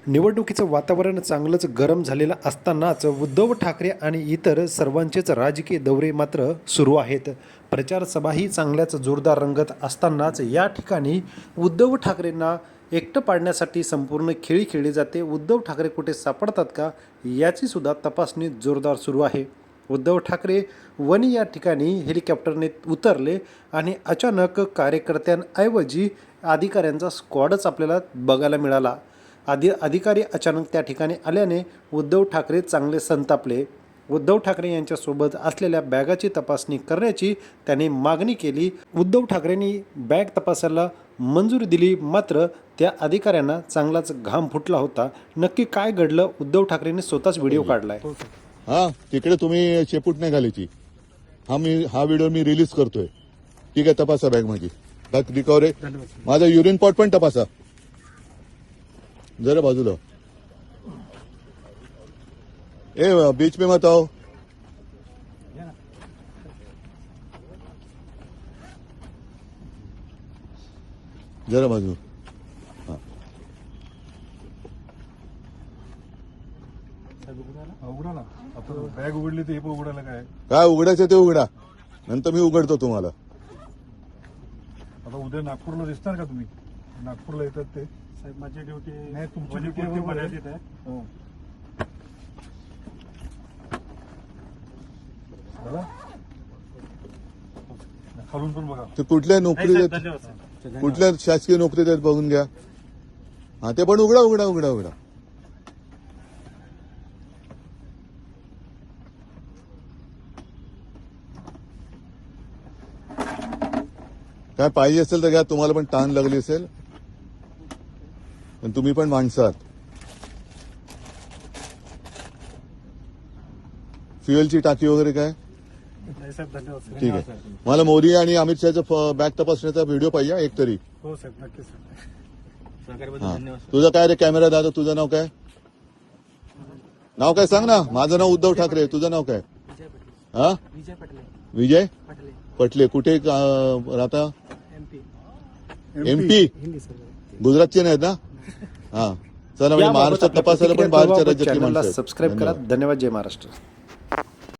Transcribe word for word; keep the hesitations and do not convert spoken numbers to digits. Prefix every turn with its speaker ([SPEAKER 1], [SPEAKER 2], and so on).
[SPEAKER 1] निवडणुकीचं वातावरण चांगलंच गरम झालेलं असतानाच उद्धव ठाकरे आणि इतर सर्वांचेच राजकीय दौरे मात्र सुरू आहेत. प्रचार सभाही चांगल्याच जोरदार रंगत असतानाच या ठिकाणी उद्धव ठाकरेंना एकटं पाडण्यासाठी संपूर्ण खेळी खेळली जाते. उद्धव ठाकरे कुठे सापडतात का याची सुद्धा तपासणी जोरदार सुरू आहे. उद्धव ठाकरे वणी या ठिकाणी हेलिकॉप्टरने उतरले आणि अचानक कार्यकर्त्यांऐवजी अधिकाऱ्यांचा स्क्वॉडच आपल्याला बघायला मिळाला. आधी अधिकारी अचानक त्या ठिकाणी आल्याने उद्धव ठाकरे चांगले संतापले. उद्धव ठाकरे यांच्यासोबत असलेल्या बॅगाची तपासणी करण्याची त्यांनी मागणी केली. उद्धव ठाकरेंनी बॅग तपासायला मंजुरी दिली, मात्र त्या अधिकाऱ्यांना चांगलाच घाम फुटला होता. नक्की काय घडलं, उद्धव ठाकरेंनी स्वतःच व्हिडिओ काढलाय.
[SPEAKER 2] हा तिकडे तुम्ही शेपूट नाही घालायची. हा मी हा व्हिडिओ मी रिलीज करतोय. ठीक आहे, तपासा बॅग माझी. बॅग रिकव्हर आहे. माझा युरिन पॉट पण तपासा जरा बाजूला. ए बीच पे मत आओ. जरा बाजू. हा
[SPEAKER 3] उघडा ना. आता बॅग उघडली तर हे पण उघडायला काय
[SPEAKER 2] काय उघडायचं ते उघडा, नंतर मी उघडतो तुम्हाला.
[SPEAKER 3] आता उद्या नागपूरला दिसणार का तुम्ही? नागपूरला येतात ते
[SPEAKER 4] साहेब, माझी ड्युटी
[SPEAKER 3] नाही, तुमची
[SPEAKER 4] माझी
[SPEAKER 3] duty
[SPEAKER 4] ड्युटी
[SPEAKER 3] बरोबर आहे.
[SPEAKER 4] मर्यादित आहे.
[SPEAKER 3] हो. बघा. खालून पण बघा.
[SPEAKER 2] ते कुठल्या नोकरी
[SPEAKER 4] नाही साहेब,
[SPEAKER 2] देत,
[SPEAKER 4] धन्यवाद साहेब.
[SPEAKER 2] कुठल्या शासकीय नोकरी देत बघून घ्या. हा ते पण उघडा उघडा उघडा उघडा. काय पाहिजे असेल तर घ्या. तुम्हाला पण ताण लागली असेल, पण तुम्ही पण माणसं आहात. फ्युएलची टाकी वगैरे काय?
[SPEAKER 4] नाही साहेब, धन्यवाद साहेब.
[SPEAKER 2] ठीक आहे. मला मोदी आणि अमित शहाचा बॅग तपासण्याचा व्हिडिओ पाहिजे एक तरी.
[SPEAKER 4] हो साहेब, नक्कीच साहेब. सहकार्याबद्दल
[SPEAKER 2] हा.
[SPEAKER 4] धन्यवाद साहेब.
[SPEAKER 2] तुझं काय रे कॅमेरा दादा, तुझं नाव काय? नाव काय सांग ना. माझं नाव उद्धव ठाकरे, तुझं नाव काय?
[SPEAKER 4] विजय पटले.
[SPEAKER 2] हा
[SPEAKER 4] विजय पटले.
[SPEAKER 2] विजय
[SPEAKER 4] पटले.
[SPEAKER 2] पटले. कुठे अं, राहता?
[SPEAKER 4] एमपी.
[SPEAKER 2] एमपी.
[SPEAKER 4] हिंदी सर.
[SPEAKER 2] गुजरातचे नाहीत ना? हा चला, म्हणजे
[SPEAKER 1] याबाबत
[SPEAKER 2] महाराष्ट्रात
[SPEAKER 1] आपल्या
[SPEAKER 2] तपासायला पण
[SPEAKER 1] प्रतिक्रिया
[SPEAKER 2] बाहेरच्या
[SPEAKER 1] कळवा व
[SPEAKER 2] राज्यातली
[SPEAKER 1] चॅनलला
[SPEAKER 2] माणसं आहेत.
[SPEAKER 1] सबस्क्राईब करा.
[SPEAKER 2] धन्यवाद.
[SPEAKER 1] धन्यवाद. जय महाराष्ट्र.